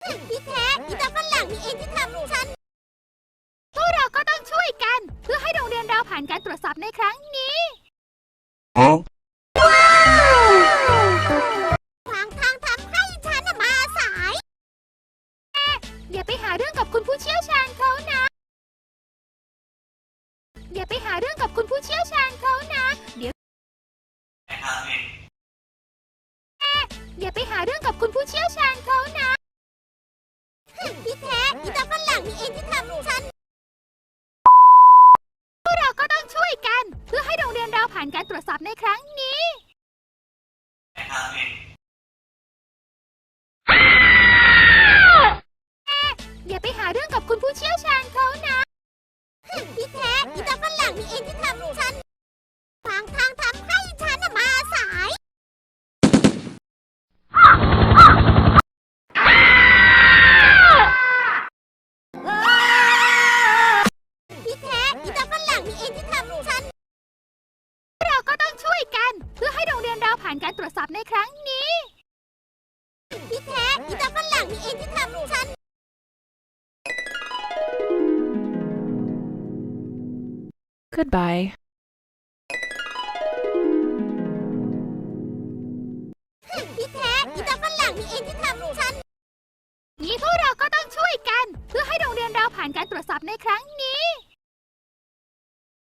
ที่แท้อีตาฝรั่งนี่เองที่ทำฉันพวกเราก็ต้องช่วยกันเพื่อให้โรงเรียนเราผ่านการตรวจสอบในครั้งนี้ขวางทางทำให้ฉันมาสายอย่าไปหาเรื่องกับคุณผู้เชี่ยวชาญเขานะ อย่าไปหาเรื่องกับคุณผู้เชี่ยวชาญเขานะ อย่าไปหาเรื่องกับคุณผู้เชี่ยวชาญเขานะที่แท้อีตาฝรั่งนี่เองที่ทำฉันพวกเราก็ต้องช่วยกันเพื่อให้โรงเรียนเราผ่านการตรวจสอบในครั้งนี้ อย่าไปหาเรื่องกับคุณผู้เชี่ยวชาญเขานะที่แท้อีตาฝรั่งนี่เองที่ทำฉันขวางทางทำให้ฉันมาสาย ที่แท้อีตาฝรั่งนี่เองที่ทำฉันพวกเราก็ต้องช่วยกันเพื่อให้โรงเรียนเราผ่านการตรวจสอบในครั้งนี้ที่แท้อีตาฝรั่งนี่เองที่ทำฉัน Goodbye. ที่แท้อีตาฝรั่งนี่เองที่ทำฉันนี้พวกเราก็ต้องช่วยกันเพื่อให้โรงเรียนเราผ่านการตรวจสอบในครั้งนี้